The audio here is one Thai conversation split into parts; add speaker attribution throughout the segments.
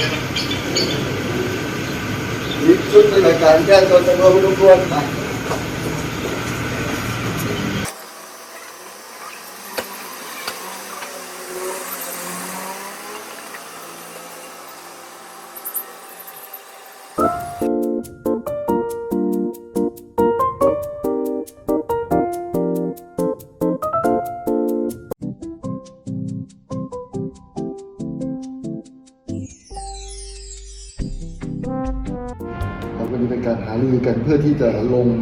Speaker 1: นี่ชุดในรายการแก้ตัวจำนวนไม่รู้ควรวันนี้เป็นการหารือกันเพื่อที่จะลง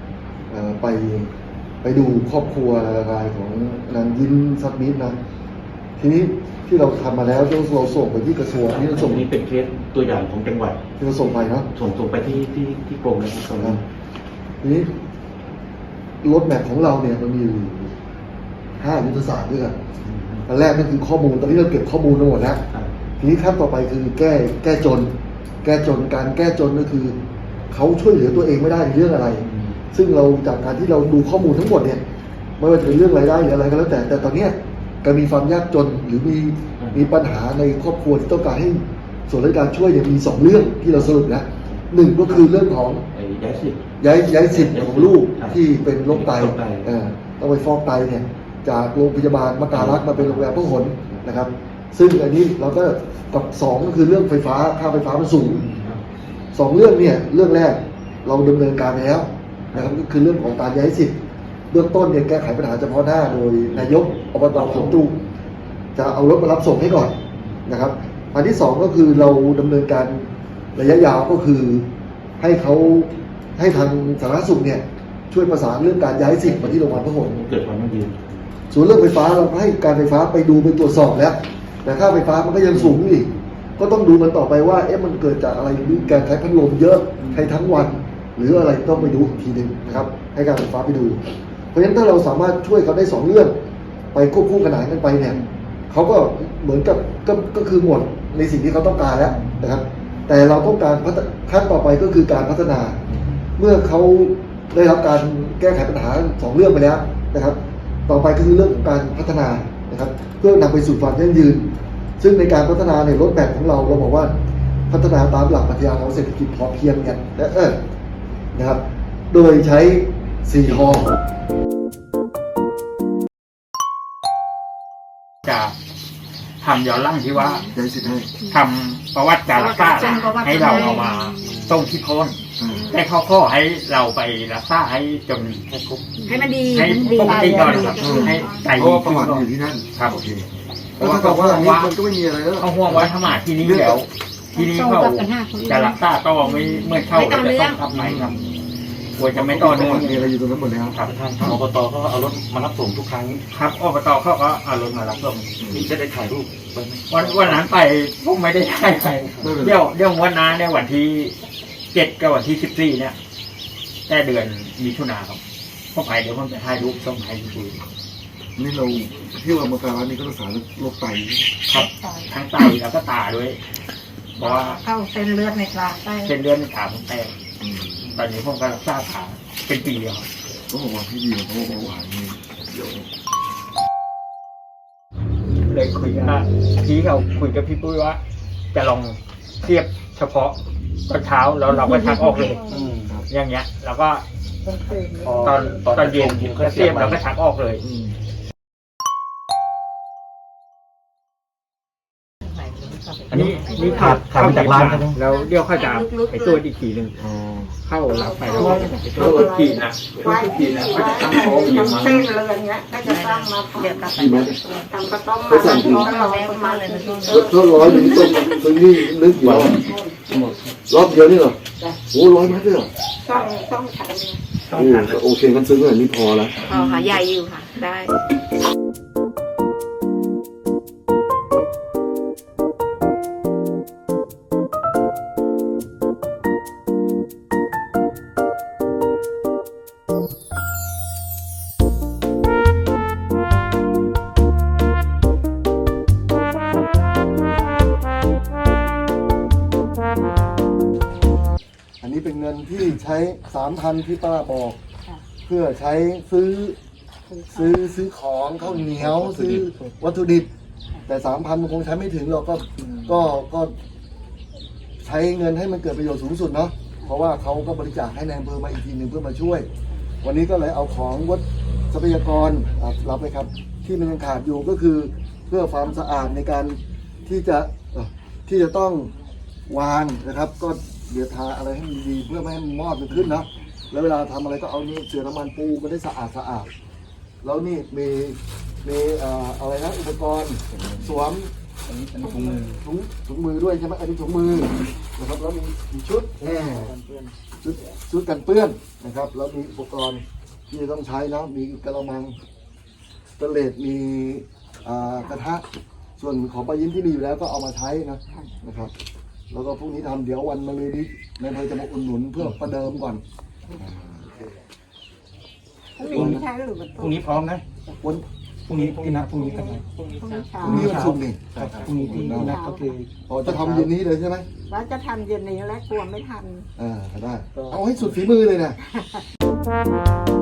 Speaker 1: ไปดูครอบครัวรายของนางยิ้มซับมิตรนะทีนี้ที่เราทำมาแล้วเราส่งไปที่กระทรวงนี่เราส่ง
Speaker 2: นี้เป็นเคสตัวอย่างของจังหวัด
Speaker 1: ที่เราส่งไปนะ
Speaker 2: ส่งไปที่กรมนะครับตรงนั้น
Speaker 1: ทีนี้รถแมพของเราเนี่ยมันมีอยู่5 ยุทธศาสตร์ด้วยกันอันแรกก็คือข้อมูลตอนนี้เราเก็บข้อมูลทั้งหมดแล้วทีนี้ขั้นต่อไปคือแก้จนการแก้จนก็คือเขาช่วยเหลือตัวเองไม่ได้ในเรื่องอะไรซึ่งเราจากการที่เราดูข้อมูลทั้งหมดเนี่ยไม่ว่าจะเป็นเรื่องรายได้หรืออะไรก็แล้วแต่ตอนนี้การมีความยากจนหรือมีปัญหาในครอบครัวที่ต้องการให้ส่วนราชการช่วยเนี่ยมี2 เรื่องที่เราสรุปนะ1ก็คือเรื่องของย้ายสิทธิ์ของลูกที่เป็นโรคไตต้องไปฟอกไตเนี่ยจากโรงพยาบาลมการักษ์มาเป็นโรงพยาบาลพหลนะครับซึ่งอันนี้เราก็กับ2ก็คือเรื่องไฟฟ้าค่าไฟฟ้ามันสูง2 เรื่องเนี่ยเรื่องแรกเราดำเนินการไปแล้วนะครับก็คือเรื่องของการย้ายสิทธิ์เบื้องต้นเนี่ยแก้ไขปัญหาเฉพาะหน้าโดยนายกอบต.สวนตุงจะเอารถมารับส่งให้ก่อนนะครับอันที่2ก็คือเราดำเนินการระยะยาวก็คือให้ทางสาธารณสุขเนี่ยช่วยประสานเรื่องการย้ายสิทธิ์มาที่โรงพยาบาลพหล
Speaker 2: เกิดความยั่งยืน
Speaker 1: ส่วนเรื่องไฟฟ้าเราให้การไฟฟ้าไปดูไปตรวจสอบแล้วแต่ค่าไฟฟ้ามันก็ยังสูงอีกก็ต้องดูมันต่อไปว่ามันเกิดจากอะไรหรือการใช้พัดลมเยอะใช้ทั้งวันหรืออะไรต้องไปดูอีกทีหนึ่งนะครับให้การไฟฟ้าไปดูเพราะฉะนั้นถ้าเราสามารถช่วยเขาได้2 เรื่องไปควบคู่ขนานกันไปเนี่ยเขาก็เหมือนกับก็คือหมดในสิ่งที่เขาต้องการแล้วนะครับแต่เราต้องการขั้นต่อไปก็คือการพัฒนาเมื่อเขาได้รับการแก้ไขปัญหา2 เรื่องไปแล้วนะครับต่อไปก็คือเรื่องของการพัฒนานะครับเพื่อนำไปสู่ความยั่งยืนซึ่งในการพัฒนาในรถแมพของเราบอกว่าพัฒนาตามหลักปรัชญาของเศรษฐกิจพอเพียงเนี่ยนะครับโดยใช้4 ฮ.
Speaker 3: จะทำย้อนหลังที่ว่า
Speaker 1: ย้ายสิทธิ์ให้
Speaker 3: ทำประวัติการรักษาให้เราเอามาส่งที่โคนแต่เขาขอให้เราไปรักษาให้จน
Speaker 4: ให้มันดี
Speaker 3: ให้ปกติก่อนครับให้ใจดี
Speaker 1: ประวัติอยู่ที่นั่น
Speaker 3: ครับ
Speaker 1: เพราะว่ามันก็ไม่มีอะไรแล้ว
Speaker 3: เขาห่วงว่าถ้ามาที่นี้แล้วที่นี้เขาจะรักษาต่อไม่เมื่อเข้าจะต้องทำไหนครับควรจะไม่ต่อเนื่อง
Speaker 1: มีอะไรอยู่ตรงนั้นหมดแล้ว
Speaker 2: ครับทางอบตก็เอารถมารับส่งทุกครั้ง
Speaker 3: ครับอบตเขาก็เอารถมารับส่ง
Speaker 2: จะได้ถ่ายรูป
Speaker 3: วันนั้นไปพวกไม่ได้ถ่ายไปเดี๋ยววันนั้นในวันที่7กับวันที่14เนี่ยแค่เดือนมิถุนาครับพอไปเดี๋ยวผมจะถ่ายรูปส่งให้ดู
Speaker 1: นี่เราที่ว่ามาการักษ์นี่ก็รักษาโรคไต
Speaker 3: ครับทั้งไตแล้วก็ตาด้วยเพราะว่า
Speaker 4: เข้าเส้นเลือดในตา
Speaker 3: เส้นเลือดในตาผมแตกตอนนี้ผมก็รักษาขาเป็นปีแล้ว
Speaker 1: ก็บอกว่าพี่ดีเพราะว่าหวานนี่เดี๋ยว
Speaker 3: เลยคุยกับพี่เขาคุยกับพี่ปุ้ยว่าจะลองเทียบเฉพาะตอนเช้าแล้วเราก็ชักออกเลยอย่างเงี้ยแล้วก็ตอนเย็นก็เทียบแล้วก็ชักออกเลยอันนี้ขาดจากร้านแล้วเดี๋ยวเขาจะไปตรวจอีกทีหนึ่งเข้าหลับไปแล้วก็ตรวจขีดนะเขาจะตั้งโต๊ะอย่าง
Speaker 4: มันเส้นเลยอย่างเงี้ยก็จะตั้งมาเดี๋ยวกลับไปทำก็ต้องมาต้องรอประมาณเลยนะ
Speaker 1: ก็100อยู่ที่ตรงนี้นึกอยู่รอบเดียวนี่เหรอโอ้100 เมตรเลยเหรอ
Speaker 4: ต้องใช้
Speaker 1: โอเคกันซื้อแบบนี้พอแล้ว
Speaker 4: พอค่ะใหญ่อยู่ค่ะได้
Speaker 1: อันนี้เป็นเงินที่ใช้ 3,000 ที่ป้าบอกเพื่อใช้ซื้อของข้าวเหนียวซื้อวัตถุดิบแต่ 3,000 มันคงใช้ไม่ถึงหรอกก็ใช้เงินให้มันเกิดประโยชน์สูงสุดเนาะเพราะว่าเขาก็บริจาคให้ในอำเภอมาอีกทีหนึ่งเพื่อมาช่วย วันนี้ก็เลยเอาของวัดทรัพยากรรับไปครับที่มันยังขาดอยู่ก็คือเพื่อความสะอาดในการที่จะต้องวางนะครับ ก็เดี๋ยวทาอะไรให้มันดีเพื่อไม่ให้มันมอดมันขึ้นนะแล้วเวลาทำอะไรก็เอานี่เสือน้ำมันปูมันได้สะอาดแล้วนี่มีอะไรนะอุปกรณ์สวม
Speaker 2: อันนี้ถุงมือ
Speaker 1: ถุงมือด้วยใช่ไหมอันนี้ถุงมือนะครับแล้วมีชุดชุดกันเปื้อนนะครับแล้วมีอุปกรณ์ที่จะต้องใช้นะมีกระมังสเตนเลสมีกระทะส่วนของปลายิ้มที่มีอยู่แล้วก็เอามาใช้นะครับแล้วก็พรุ่งนี้ทำเดี๋ยววันมะรืนนี้นายอำเภอจะมาอุดหนุนเพื่อประเดิมก่อน
Speaker 4: พรุ่งนี้ใช้หรือมัน
Speaker 2: พรุ่งนี้พร้อมนะ
Speaker 1: วัน
Speaker 2: พรุ่งนี้ที่นัดพรุ่งนี้กันไหม
Speaker 4: พรุ่งนี้เช้า
Speaker 1: พรุ่งนี้วันศุกร์นี่
Speaker 2: ครับพรุ่งนี้ที่นัดก็คือ
Speaker 1: พอจะทำเย็นนี้เลยใช่ไหม
Speaker 4: ว่าจะทำเย็นนี้แล้วกลัวไม่ทัน
Speaker 1: ได้เอาให้สุดฝีมือเลยนะ